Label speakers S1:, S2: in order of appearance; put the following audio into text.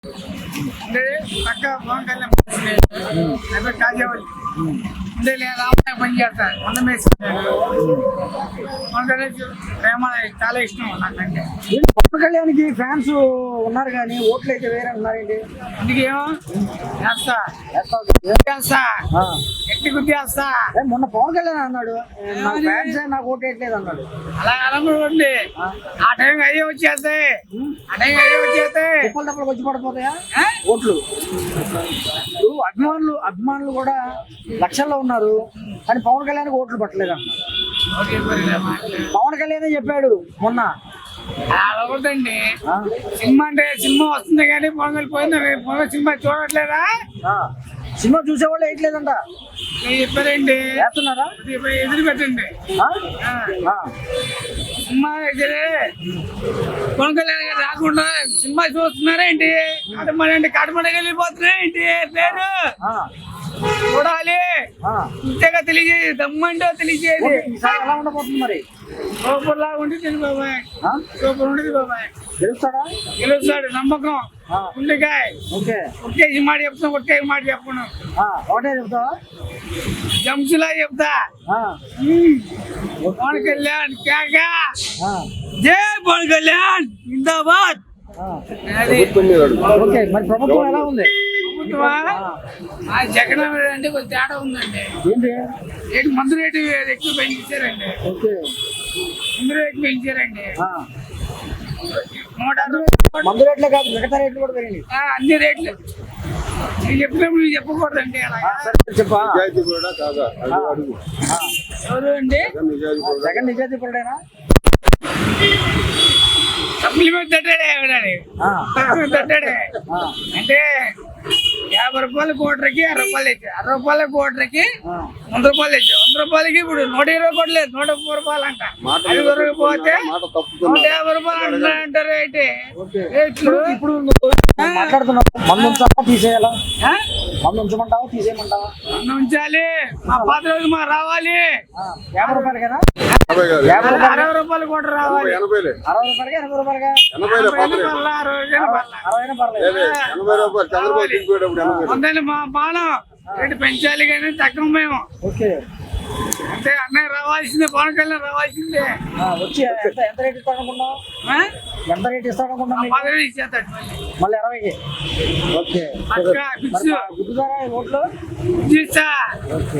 S1: అంటే పక్క పవన్ కళ్యాణ్ అయిపోయి కాజేవాళ్ళు అంటే లేదా పని చేస్తాను వంద మేసుకుంటాను. పవన్ కళ్యాణ్ ప్రేమ చాలా ఇష్టం నాకంటే.
S2: పవన్ కళ్యాణ్కి ఫ్యాన్స్ ఉన్నారు కానీ ఓట్లు అయితే వేరే ఉన్నారండి.
S1: అందుకేమో చేస్తా చేస్తా ఎట్టి గుర్తేస్తా.
S2: మొన్న పవన్ కళ్యాణ్ అన్నాడు నా ఫ్యాన్స్ నాకు ఓటు వేయట్లేదు అన్నాడు.
S1: అలా అనుకోండి ఆ టైంకి అయ్యే వచ్చేస్తాయి. ఆ టైంకి అయ్యే వచ్చేస్తాయి.
S2: కుప్పలు తప్పలు వచ్చి పడిపోతాయా ఓట్లు? ఇప్పుడు అభిమానులు కూడా లక్షల్లో ఉన్నారు కానీ పవన్ కళ్యాణ్కి ఓట్లు పట్టలేదు అన్న. పవన్ కళ్యాణ్ చెప్పాడు మొన్న.
S1: అలాగొద్దండి సినిమా అంటే సినిమా వస్తుంది కానీ పవన్ కళ్యాణ్ పోయింది సినిమా చూడట్లేదా?
S2: సినిమా చూసేవాళ్ళు వేయట్లేదంట
S1: చెప్పారండి.
S2: వేస్తున్నారా?
S1: ఎదురు పెట్టండి సినిమా అయితే పవన్ కళ్యాణ్ గారు రాకుండా సినిమా చూస్తున్నారా ఏంటి? కడమడకి వెళ్ళిపోతున్నా ఏంటి పేరు చూడాలి. ఇంతగా తెలియజేది దమ్మంటో తెలియజేది.
S2: ఎలా ఉండబోతుంది మరి?
S1: సూపర్ లాగా ఉంటుంది బాబాయ్. సూపర్ ఉంటుంది బాబాయ్. గెలుస్తాడు నమ్మకం ఉండికాయ. ఒక్కేసి మాట చెప్తాను ఒక్కేసి మాట చెప్పను.
S2: ఒకటే చెప్తావా?
S1: జంసులా చెప్తా. పవన్ కళ్యాణ్ కేకా జై పవన్ కళ్యాణ్ జిందాబాద్.
S2: మరి ప్రభుత్వం ఎలా ఉంది?
S1: జగన్ అంటే కొంచెం తేడా ఉందండి. ఏంటి మందు రేటు ఎక్కువ పెంచారండి. మందు రేటు పెంచారండి.
S2: మందు రేట్లే కాదు మిగతా రేట్లు కూడా పెరిగింది.
S1: అన్ని రేట్లు నేను చెప్పినప్పుడు నువ్వు చెప్పకూడదండి.
S2: చెప్పా
S1: ఎవరు అండి?
S2: జగన్ నిజాయితీ పరుడేనా?
S1: సప్లిమెంట్ తట్టాడే తట్టాడే అంటే 50 రూపాయల కోటరికి 60 రూపాయలు ఇచ్చారు. 60 రూపాయల కోటరికి 100 రూపాయలు ఇచ్చారు. 100 రూపాయలకి ఇప్పుడు 120 కోట్లు లేదు 130 రూపాయలు అంట. అది దొరకపోతే 150 రూపాయలు అంటారు. అయితే
S2: ఇప్పుడు మాట్లాడుతున్నావు మందు ఉంచాలా తీసేయాలా? మందు ఉంచమంటావా తీసేయమంటావా?
S1: మందు ఉంచాలి. మా పాత రోజు మా రావాలి.
S2: 50 రూపాయలకేనా?
S1: 60 రూపాయలు కోట రావాలి.
S2: 60 రూపాయలకి 80 రూపాయలగా? 60
S1: ఉందండి మా బాణం రేటు పెంచాలి కానీ తక్కువ మేము. అంటే అన్నయ్య రావాల్సిందే పవన్ కళ్యాణ్ రావాల్సిందే.
S2: వచ్చి ఎంత రేట్ ఇస్తాడనుకున్నావు? ఎంత రేట్ ఇస్తాడనుకున్నావు?
S1: 10 ఇచ్చేస్తాడు
S2: మళ్ళీ 20కి. ఓకే గుర్తుదారా ఓట్లు?